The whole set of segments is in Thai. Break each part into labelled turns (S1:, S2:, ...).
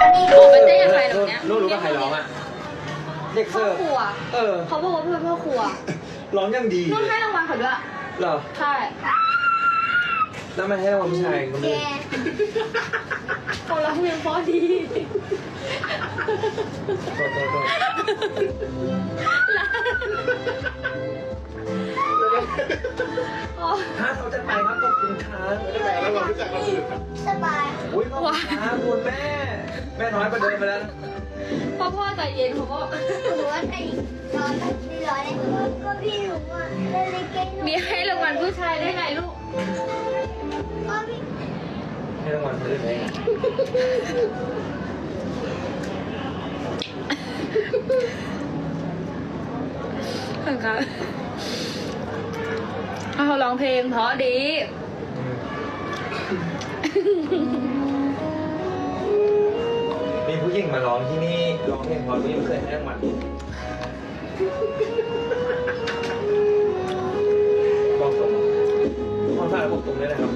S1: ออกไปเต้นกับใครตรงเนี้ย
S2: รู้ว่าใครร้องอ่ะเด็ก
S1: พ่อ
S2: เสิร์ฟ
S1: ครัว เขาบอกว่าเพื่อนพ่อครัว
S2: ร้องยังดี
S1: นุ่นให้รางวัลเขาด้วย
S2: เหรอ
S1: ใช่
S2: แล้วไม่ให้รางวัลผู้ชายคนนึง
S1: เขาร้องเพลงเพราะดี
S2: โทษถ้าเขาจะไปครับขอบคุณครับ
S3: ไม่ได้แบ่งระหว่างผู้ชายคนอื่น
S4: สบาย
S2: อุ้ยขอบคุณครับคุณแม่ แม่น้อยประเดิมไปแล้ว
S1: พ่อใจเย็นเขาก็
S4: หนูว่าไอ้ร้อนไม่ร้อนเลยก็พี่หนูอ่ะเล่นเก่งหนู
S1: มีให้รางวัลผู้ชายได้ไงลูก
S4: ก็พี่
S2: ให้รางวัลเธอได้ไง
S1: ค่ะเขาร้องเพลงเพราะดี
S2: มีผู้หญิงมาร้องที่นี่ร้องเพลงเพราะนี่ไม่เคยให้รางวัลบอกตรงทุกคนฝากบอกตรงด้วยนะครับ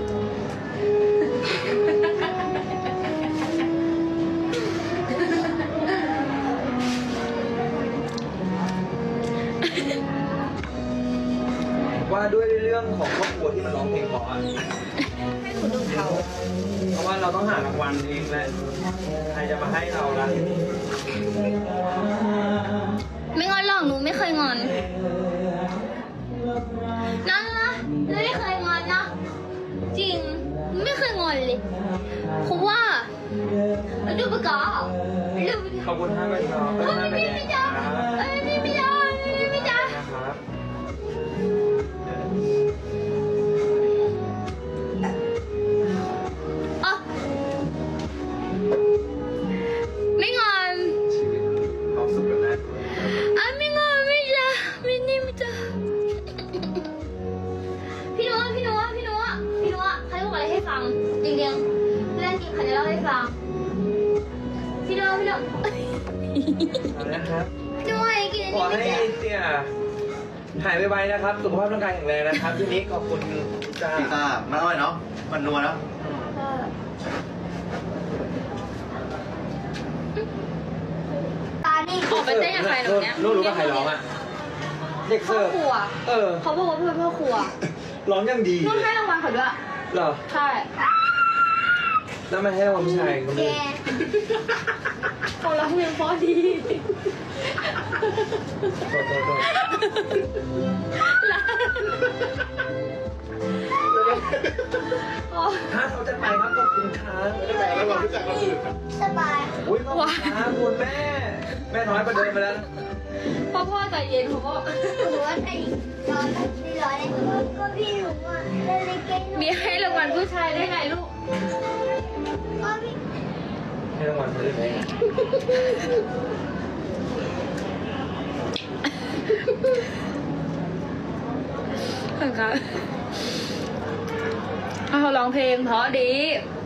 S2: ว่าด้วยเรื่องของครอบครัวที่มันร้องเพลงเพราะอะ
S1: ให้คุณดูเขา
S2: เพราะว่าเราต้องหารางวัลเองแหละใครจะมาให้เราล่ะ
S1: ไม่งอนหรอกหนูไม่เคยงอนนะหนูไม่เคยงอนนะจริงไม่เคยงอนเลยเพราะว่าดูปะกอดู
S2: ขอบคุณท่านแม่น้อง
S1: ไม่ไม่จ้าไม่จ้าไม่จ้า
S2: นะครับ
S1: อ๋อไม่งอน
S2: ชีวิตความสุขกันนะ
S1: ไม่งอนไม่จ้าไม่นี่ไม่จ้าพี่นัวใครบอกอะไรให้ฟังจริงๆเรื่องจริงใครจะเล่าให้ฟังพี่นัว
S2: เอาละครับ
S1: ด้วยกิน
S2: ขอ
S1: อัน
S2: ให้
S1: นี้ไม่จ้า
S2: เตี่ยหายไวๆนะครับ สุขภาพร่างกายแข็งแรงนะครับทีนี้ขอบคุณจ้า
S3: พี่ตามันอร่อยเนาะ มันนัวเนาะ
S4: ตานี่
S1: ออกไปเต้นกับใครตรงเนี้ย
S2: รู้ว่าใครร้องอ่ะเด็ก
S1: พ่อ
S2: เสิร์ฟ
S1: ครัว เขาบอกว่าเพื่อนพ่อครัว
S2: ร้องยังดี
S1: นุ่นให้รางวัลเขาด้วย
S2: เหรอ
S1: ใช่
S2: แล้วไม่ให้รางวัลผู้ชายคนนึง
S1: เขาร้องเพลงเพราะดี
S2: โทษถ้าเขาจะไปครับขอบคุณครับ
S3: ไม่ได้แบ่งระหว่างผู้ชายคนอื่น
S4: สบาย
S2: อุ้ยขอบคุณครับคุณแม่ แม่น้อยประเดิมไปแล้ว
S1: พ่อใจเย็นเขาก็
S4: หนูว่าไอ้ร้อนไม่ร้อนเลยก็พี่หนูอ่ะเล่นเก่งหนู
S1: มีให้รางวัลผู้ชายได้ไงลูก
S4: ก็พี่
S2: ให้รางวัลเธอได้ไง
S1: ค่ะเขาร้องเพลงเพราะดี